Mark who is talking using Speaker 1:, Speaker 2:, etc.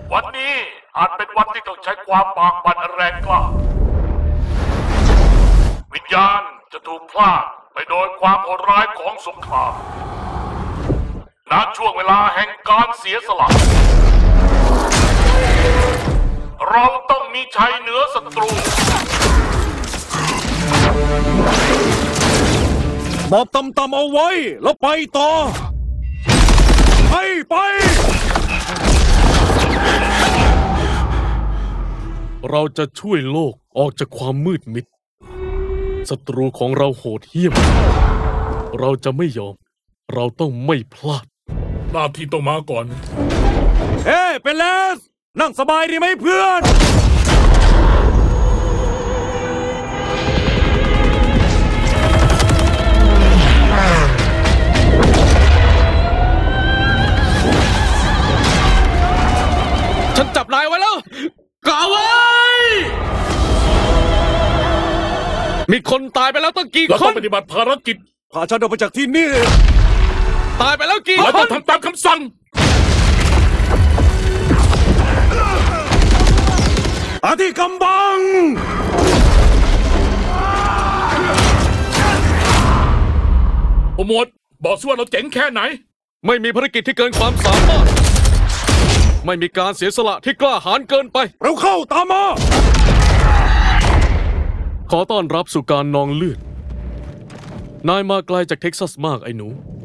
Speaker 1: วันนี้อาจเป็นวันที่ต้องใช้ความบากบั่นอันแรงกล้าวิญญาณจะถูกพลากไปโดยความโหดร้ายของสงครามณช่วงเวลาแห่งการเสียสละเราต้องมีชัยเหนือศัตรู
Speaker 2: บอกต่ำๆเอาไว้แล้วไปต่อไปเราจะช่วยโลกออกจากความมืดมิดศัตรูของเราโหดเหี้ยมเราจะไม่ยอมเราต้องไม่พลาด
Speaker 1: หน้าที่ต้องมาก่อน
Speaker 2: เฮ้เป็นเลสนั่งสบายดีไหมเพื่อน ฉันจับนายไว้แล้วกาไว้ มีคนตายไปแล้วตั้งกี่
Speaker 1: เรา
Speaker 2: ค
Speaker 1: ต้อน งปฏิบัติภารกิจ
Speaker 2: พาฉันออกไปจากที่นี่ ตายไปแล้วกี่
Speaker 1: เรา
Speaker 2: ค
Speaker 1: ต้อน งทำตามคำสั่ง
Speaker 2: อาที่กำบัง
Speaker 1: โปรโมทบอกสิว่าเราเจ๋งแค่ไหน
Speaker 2: ไม่มีภารกิจที่เกินความสามารถ ไม่มีการเสียสละที่กล้าหาญเกินไป เราเข้าตามมา ขอต้อนรับสู่การนองเลือด นายมาไกลจากเท็กซัสมากไอ้หนู